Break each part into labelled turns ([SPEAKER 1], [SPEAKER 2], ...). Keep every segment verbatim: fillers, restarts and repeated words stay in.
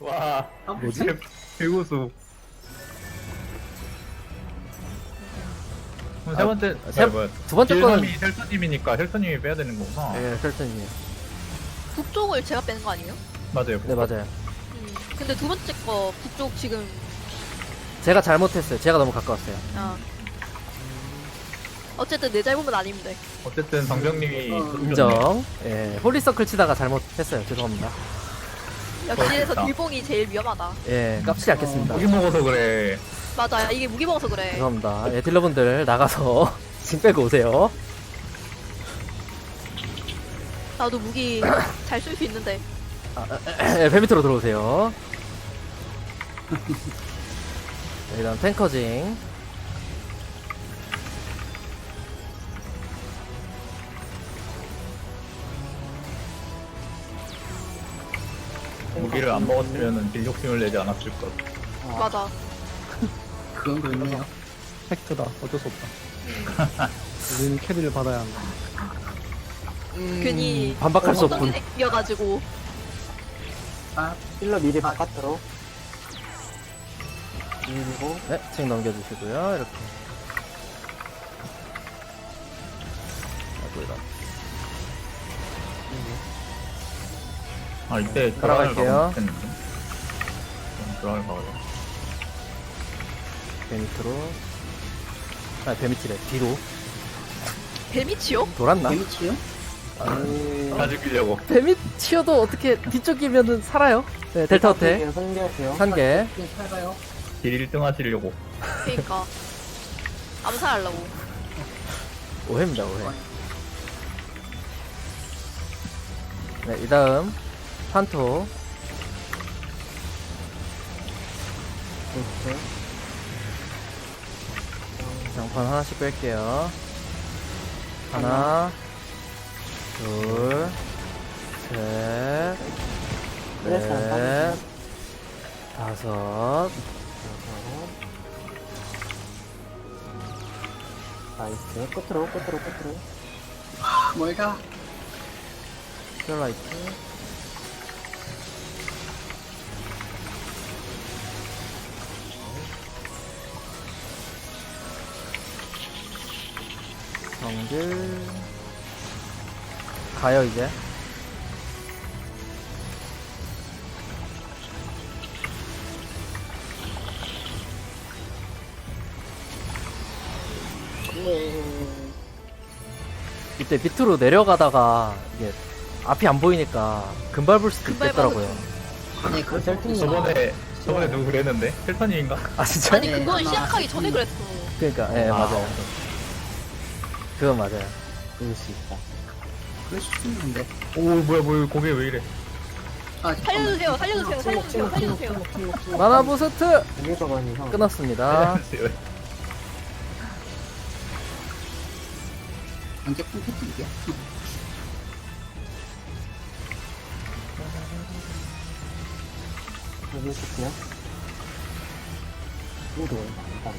[SPEAKER 1] 와,
[SPEAKER 2] 뭐지?
[SPEAKER 1] 배우수. 그럼 세 번째,
[SPEAKER 2] 아, 세-
[SPEAKER 1] 아니, 뭐야.
[SPEAKER 2] 두 번째 거는
[SPEAKER 1] 딜감이 헬터님이니까 헬터님이 빼야 되는 거구나.
[SPEAKER 2] 예, 혈전이에요.
[SPEAKER 3] 북쪽을 제가 빼는 거 아니에요?
[SPEAKER 1] 맞아요.
[SPEAKER 2] 네, 맞아요.
[SPEAKER 3] 음. 근데 두 번째 거 북쪽 지금
[SPEAKER 2] 제가 잘못했어요. 제가 너무 가까웠어요.
[SPEAKER 3] 아. 어쨌든 내 잘못은 아닌데.
[SPEAKER 1] 어쨌든 방병님이
[SPEAKER 2] 인정. 예, 홀리서클 치다가 잘못했어요. 죄송합니다.
[SPEAKER 3] 역시에서
[SPEAKER 1] 그러니까.
[SPEAKER 3] 딜봉이 제일 위험하다.
[SPEAKER 2] 예, 깝치지 않겠습니다.
[SPEAKER 1] 고기 먹어서 그래.
[SPEAKER 3] 맞아, 이게 무기 먹어서 그래.
[SPEAKER 2] 죄송합니다. 예, 딜러분들 나가서 진 빼고 오세요.
[SPEAKER 3] 나도 무기 잘 쓸 수 있는데.
[SPEAKER 2] 예, 배 밑으로 들어오세요. 네, 일단 탱커징.
[SPEAKER 1] 무기를 안 먹었으면 딜 욕심을 내지 않았을 것.
[SPEAKER 3] 맞아.
[SPEAKER 4] 그건 그렇네요.
[SPEAKER 5] 팩트다. 어쩔 수 없다. 우리는 캐리를 받아야 한다.
[SPEAKER 3] 괜히
[SPEAKER 2] 반박할 수 없군.
[SPEAKER 3] 생겨가지고.
[SPEAKER 4] 아,
[SPEAKER 6] 힐러 미리 바깥으로 밀고
[SPEAKER 2] 네, 책 넘겨주시고요. 이렇게. 아이고, 이런.
[SPEAKER 1] 아, 이때
[SPEAKER 2] 따라갈게요.
[SPEAKER 1] 드라을 가요.
[SPEAKER 2] 배 밑으로. 아, 배 밑이래. 뒤로.
[SPEAKER 3] 뱀이치요?
[SPEAKER 2] 돌았나?
[SPEAKER 4] 데미치요?
[SPEAKER 1] 다 죽이려고.
[SPEAKER 2] 배 밑이어도 어떻게 뒤쪽이면은 살아요. 네, 델타 호텔.
[SPEAKER 6] 상대하세요.
[SPEAKER 2] 산개.
[SPEAKER 4] 좀 살아요.
[SPEAKER 1] 딜 일 등 하시려고.
[SPEAKER 3] 그니까. 암살하려고.
[SPEAKER 2] 오해입니다, 오해. 네, 이 다음. 판토.
[SPEAKER 6] 이렇게
[SPEAKER 2] 장판 하나씩 뺄게요. 하나, 둘, 셋,
[SPEAKER 6] 그래서
[SPEAKER 2] 넷, 다섯.
[SPEAKER 6] 나이스. 끝으로 끝으로 끝으로.
[SPEAKER 4] 아, 뭘가?
[SPEAKER 2] 스펠라이트. 정글. 가요, 이제. 이때 밑으로 내려가다가 이게 앞이 안 보이니까 금발 불 수도
[SPEAKER 3] 금발
[SPEAKER 2] 있겠더라고요.
[SPEAKER 4] 네, 그렇죠.
[SPEAKER 6] 셀팅이
[SPEAKER 1] 저번에, 저번에 누구 그랬는데? 헬터님인가?
[SPEAKER 2] 아 진짜?
[SPEAKER 3] 아니,
[SPEAKER 4] 네,
[SPEAKER 3] 그건
[SPEAKER 4] 아마-
[SPEAKER 3] 시작하기 전에 그랬어.
[SPEAKER 2] 그러니까 예
[SPEAKER 1] 아,
[SPEAKER 2] 맞아요. 그건 맞아요.
[SPEAKER 6] 그럴 수 있다.
[SPEAKER 4] 그럴 수 있는데.
[SPEAKER 1] 오, 뭐야, 뭐야, 고개 왜 이래?
[SPEAKER 4] 아, 잠깐만.
[SPEAKER 3] 살려주세요, 살려주세요, 살려주세요, 살려주세요.
[SPEAKER 2] 마나 부스트
[SPEAKER 6] 이게 가니 형.
[SPEAKER 2] 끊었습니다.
[SPEAKER 4] 언제 콘텐츠 이게?
[SPEAKER 6] 여기 스피어. 이거 일단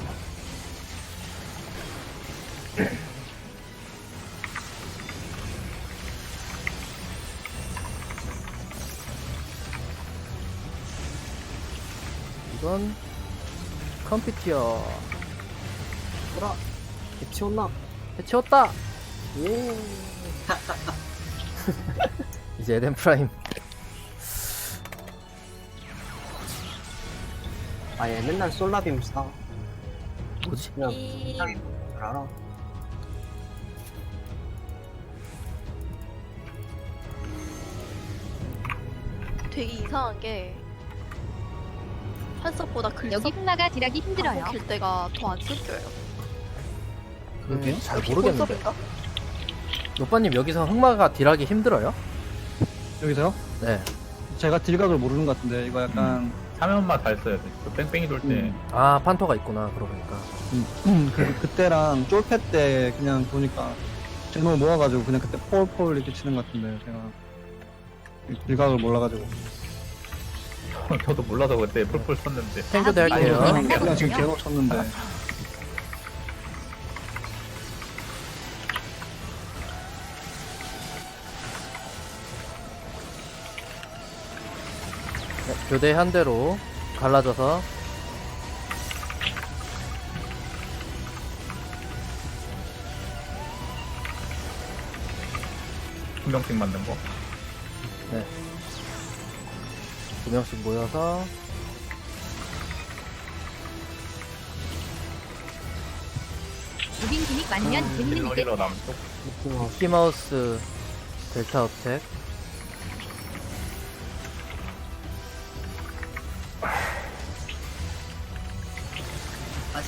[SPEAKER 2] 이건 컴퓨터
[SPEAKER 6] 뭐라? 개치웠나?
[SPEAKER 2] 해치웠다.
[SPEAKER 6] 예.
[SPEAKER 2] 이제 에덴 프라임.
[SPEAKER 6] 아얘 맨날 솔라빔 사.
[SPEAKER 2] 뭐지?
[SPEAKER 6] 그냥
[SPEAKER 3] 이...
[SPEAKER 6] 잘 알아.
[SPEAKER 3] 되게 이상한 게 한석보다 글
[SPEAKER 7] 여기 흑마가 딜하기 힘들어요.
[SPEAKER 3] 길 때가 더 안 쓸겨요.
[SPEAKER 4] 그러게요.
[SPEAKER 2] 음, 잘
[SPEAKER 3] 역시
[SPEAKER 2] 모르겠는데.
[SPEAKER 3] 본섭인가?
[SPEAKER 2] 노빠님 여기서 흑마가 딜하기 힘들어요?
[SPEAKER 5] 여기서요?
[SPEAKER 2] 네.
[SPEAKER 5] 제가 딜각을 모르는 것 같은데 이거 약간
[SPEAKER 1] 사면만 잘 써야 돼. 그 뺑뺑이 돌 때.
[SPEAKER 5] 음.
[SPEAKER 2] 아 판토가 있구나. 그러고 보니까.
[SPEAKER 5] 음, 그, 그때랑 쫄패 때 그냥 보니까 제노 모아가지고 그냥 그때 폴폴 이렇게 치는 것 같은데 제가 딜각을 몰라가지고
[SPEAKER 1] 저도 몰라서 그때 폴폴 쳤는데.
[SPEAKER 2] 탱크대 할게요.
[SPEAKER 5] 그냥, 그냥 지금 제노 쳤는데
[SPEAKER 2] 교대 한 대로 갈라져서
[SPEAKER 1] 한 명씩 만든 거.
[SPEAKER 2] 두 명씩 모여서
[SPEAKER 7] 무빙 기믹 만년 재밌는 이게
[SPEAKER 1] 힐러리러 남쪽.
[SPEAKER 6] 미키마우스.
[SPEAKER 2] 미키마우스 델타 어택.
[SPEAKER 4] 아직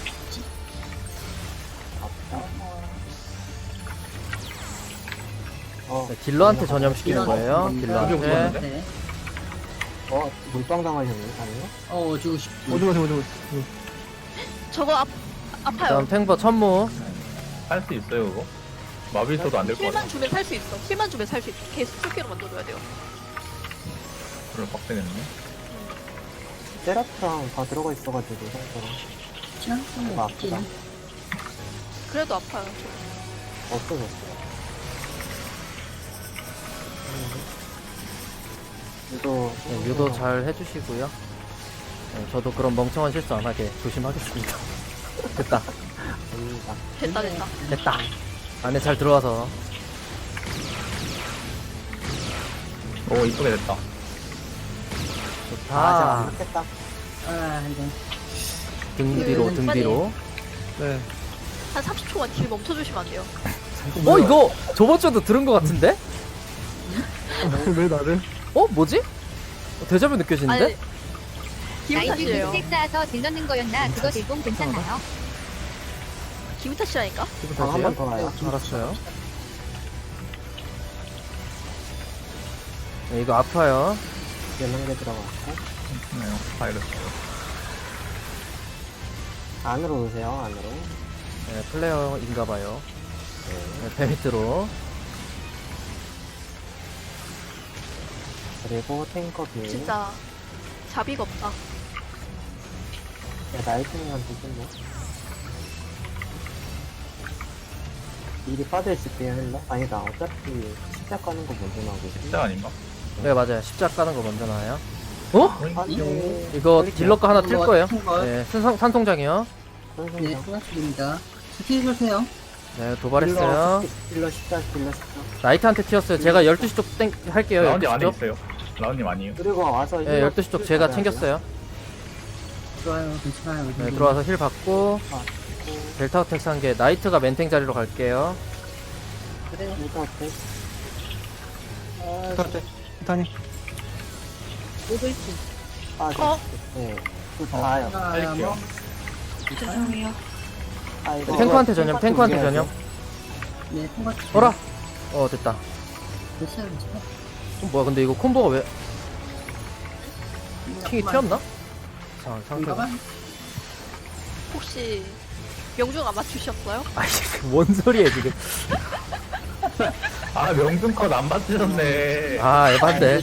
[SPEAKER 6] 어,
[SPEAKER 2] 네, 딜러한테 전염시키는 거예요.
[SPEAKER 1] 네.
[SPEAKER 2] 딜러한테.
[SPEAKER 4] 네.
[SPEAKER 6] 어, 물방 당하셨네, 아니요?
[SPEAKER 4] 어 주고 싶.
[SPEAKER 5] 어디 가세요, 어디 가세요.
[SPEAKER 3] 저거 아, 아파요.
[SPEAKER 2] 그다음 탱버 천무.
[SPEAKER 1] 할 수 있어요 그거? 마비 있어도 안 될 거 같아.
[SPEAKER 3] 힐만 주면 살 수 있어. 힐만 주면 살 수 있어. 계속 스킬로 만들어줘야 돼요.
[SPEAKER 1] 그걸 빡세겠네.
[SPEAKER 6] 세라프랑 다 들어가 있어가지고, 상처럼.
[SPEAKER 4] 시간
[SPEAKER 6] 아, 아프다.
[SPEAKER 3] 그래도 아파요. 저거.
[SPEAKER 6] 없어졌어요. 유도,
[SPEAKER 2] 네, 유도 잘 해주시고요. 네, 저도 그런 멍청한 실수 안 하게 조심하겠습니다. 됐다.
[SPEAKER 6] 됩니다.
[SPEAKER 3] 됐다 됐다.
[SPEAKER 2] 됐다. 안에 잘 들어와서.
[SPEAKER 1] 오 이쁘게 됐다.
[SPEAKER 2] 좋다.
[SPEAKER 6] 아, 아직 안 됐다.
[SPEAKER 4] 아 이거
[SPEAKER 2] 등 뒤로, 등 뒤로.
[SPEAKER 5] 네.
[SPEAKER 3] 한 삼십 초만 딜 멈춰주시면 안 돼요.
[SPEAKER 2] 어, 이거 저번 주에도 들은 것 같은데?
[SPEAKER 5] 왜 나를?
[SPEAKER 2] 어, 뭐지? 어, 데자뷰 느껴지는데?
[SPEAKER 3] 아니 기분
[SPEAKER 7] 나이트
[SPEAKER 3] 탓이에요.
[SPEAKER 7] 색 쌓아서 딜 넣는 거였나? 그거 제공 괜찮나요?
[SPEAKER 3] 기분 탓이라니까.
[SPEAKER 2] 기분
[SPEAKER 6] 방 한 번
[SPEAKER 2] 탓이에요?
[SPEAKER 6] 더 나요.
[SPEAKER 2] 알았어요. 네, 이거 아파요.
[SPEAKER 6] 열한 개 들어갔고.
[SPEAKER 1] 네, 바이러스.
[SPEAKER 6] 안으로 오세요, 안으로.
[SPEAKER 2] 네, 플레어인가봐요.
[SPEAKER 6] 네.
[SPEAKER 2] 네, 배 밑으로.
[SPEAKER 6] 그리고 탱커 비율.
[SPEAKER 3] 진짜 자비가 없다.
[SPEAKER 6] 야, 나이트닝한테 좀 미리 빠져있을게요, 헬러. 아니다, 어차피 십자 까는 거 먼저 나오고.
[SPEAKER 1] 진짜 아닌가?
[SPEAKER 2] 네, 맞아요. 십자 까는 거 먼저 나와요. 어?
[SPEAKER 6] 안돼.
[SPEAKER 2] 이거 딜러 거 하나 틀
[SPEAKER 4] 이거
[SPEAKER 2] 거예요.
[SPEAKER 4] 튼 거.
[SPEAKER 2] 네, 산성, 산통장이요.
[SPEAKER 4] 네 수고하셨습니다. 스킬 주세요.
[SPEAKER 2] 네, 도발했어요.
[SPEAKER 6] 딜러 십자, 딜러 십자.
[SPEAKER 2] 나이트한테 튀었어요. 제가 열두 시 쪽 땡, 할게요.
[SPEAKER 1] 라운님
[SPEAKER 2] 열두 시
[SPEAKER 1] 안에
[SPEAKER 2] 쪽.
[SPEAKER 1] 있어요. 라운님 아니에요.
[SPEAKER 6] 그리고 와서
[SPEAKER 2] 네, 열두 시 쪽 제가 챙겼어요.
[SPEAKER 4] 좋아요, 괜찮아요.
[SPEAKER 2] 네, 들어와서 힐 받고. 델타 어택 산게 나이트가 멘탱 자리로 갈게요.
[SPEAKER 6] 그래요. 이거 어때?
[SPEAKER 5] 스타트. 스타님.
[SPEAKER 7] 오글프
[SPEAKER 6] 아,
[SPEAKER 3] 어?
[SPEAKER 6] 네. 그 다요.
[SPEAKER 4] 아,
[SPEAKER 1] 할게요.
[SPEAKER 4] 뭐
[SPEAKER 3] 죄송해요.
[SPEAKER 6] 아, 이거
[SPEAKER 2] 탱커한테 전염, 탱커한테 전염.
[SPEAKER 4] 네, 통과.
[SPEAKER 2] 어라? 어, 됐다.
[SPEAKER 4] 됐어요, 괜찮아요.
[SPEAKER 2] 어, 뭐야, 근데 이거 콤보가 왜, 킹이 튀었나? 자, 상태가.
[SPEAKER 4] 상태가?
[SPEAKER 3] 혹시 명중 안 맞추셨어요?
[SPEAKER 2] 아이, 뭔 소리야, 지금.
[SPEAKER 1] 아 명중 컷 안 받으셨네.
[SPEAKER 2] 아, 에반데.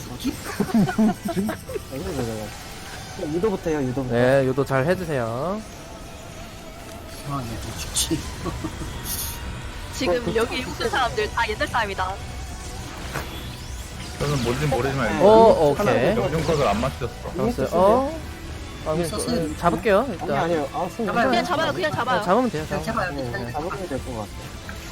[SPEAKER 6] 이거 그래요. 유도부터 해요, 유도부터.
[SPEAKER 2] 네, 요도 잘 해주세요.
[SPEAKER 4] 아, 네, 좀 죽지.
[SPEAKER 3] 지금 여기 있는 사람들 다 옛날 사람이다.
[SPEAKER 1] 저는 뭔지 모르지만
[SPEAKER 2] 어, 오케이.
[SPEAKER 1] 명중 컷을 안 맞추셨어.
[SPEAKER 2] 잡았어요. 어? 아, 그냥
[SPEAKER 4] 썼어요.
[SPEAKER 2] 그, 잡을게요,
[SPEAKER 6] 아니,
[SPEAKER 2] 일단.
[SPEAKER 6] 아니요. 아, 승
[SPEAKER 4] 잡아요.
[SPEAKER 3] 그냥 잡아요. 그냥 잡아요.
[SPEAKER 2] 아, 잡으면 돼요,
[SPEAKER 4] 그냥
[SPEAKER 2] 잡으면.
[SPEAKER 4] 잡아요,
[SPEAKER 6] 네,
[SPEAKER 4] 괜찮아요.
[SPEAKER 6] 잡으면 될 것 같아요.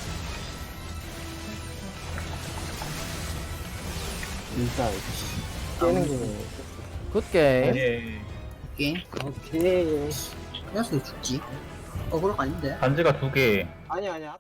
[SPEAKER 6] 진짜, 깨는 게.
[SPEAKER 2] 굿게임.
[SPEAKER 1] 예.
[SPEAKER 4] 게임.
[SPEAKER 6] 오케이.
[SPEAKER 4] 그래서 죽지. 어그로가 아닌데.
[SPEAKER 1] 반지가 두 개.
[SPEAKER 6] 아니, 아니야.